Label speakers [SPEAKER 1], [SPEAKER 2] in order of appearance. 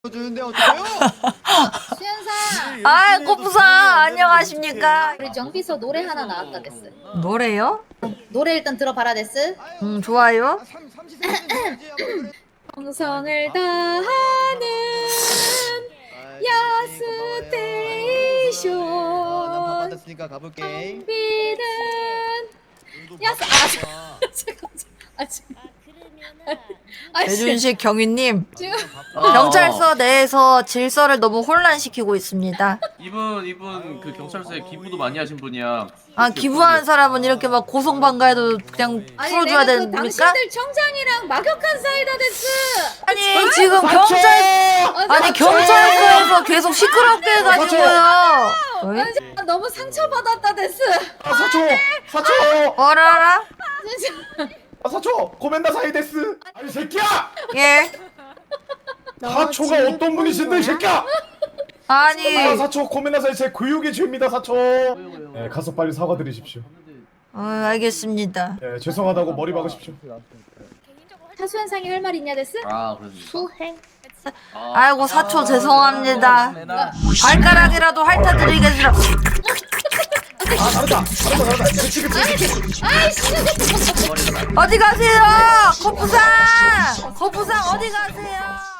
[SPEAKER 1] 주는데 어떡해요?
[SPEAKER 2] 수연사
[SPEAKER 3] 아, 꼬부사 안녕하십니까?
[SPEAKER 2] 우리 정비서 노래 하나 나왔다 됐어.
[SPEAKER 3] 노래요?
[SPEAKER 2] 노래 일단 들어봐라 됐어.
[SPEAKER 3] 좋아요.
[SPEAKER 2] 정성을 다하는 야스테이션
[SPEAKER 1] 받았으니까 가볼게.
[SPEAKER 2] 정비는 야스
[SPEAKER 3] 배준식 경위님,
[SPEAKER 2] 지금
[SPEAKER 3] 경찰서 내에서 질서를 너무 혼란시키고 있습니다.
[SPEAKER 4] 이분 그 경찰서에 기부도 많이 하신 분이야.
[SPEAKER 3] 아, 기부하는 사람은 이렇게 막 고성방가해도 그냥 풀어줘야
[SPEAKER 2] 내가
[SPEAKER 3] 되는
[SPEAKER 2] 그
[SPEAKER 3] 겁니까?
[SPEAKER 2] 당신들 청장이랑 막역한 사이다 됐어.
[SPEAKER 3] 아니 지금 경찰서에서 계속 시끄럽게 해가지고요. 왜?
[SPEAKER 2] 너무 상처받았다 됐어.
[SPEAKER 5] 사초!
[SPEAKER 3] 어라라?
[SPEAKER 5] 사초! 고멘다 사이데스! 아니 새끼야!
[SPEAKER 3] 예.
[SPEAKER 5] 사초가 어떤 분이신데 이 새끼야!
[SPEAKER 3] 아니.
[SPEAKER 5] 사초 고멘다 사이 제 교육의 죄입니다 사초. 네, 가서 빨리 사과드리십시오.
[SPEAKER 3] 알겠습니다.
[SPEAKER 5] 네, 죄송하다고 머리 박으십시오.
[SPEAKER 2] 타수현상이 할 말 있냐 됐어?
[SPEAKER 4] 아, 그러지.
[SPEAKER 2] 수행.
[SPEAKER 3] 아이고 사초 죄송합니다. 발가락이라도 핥아드리겠습니다.
[SPEAKER 5] 다르다. 그치.
[SPEAKER 3] 어디 가세요? 거부상 어디 가세요?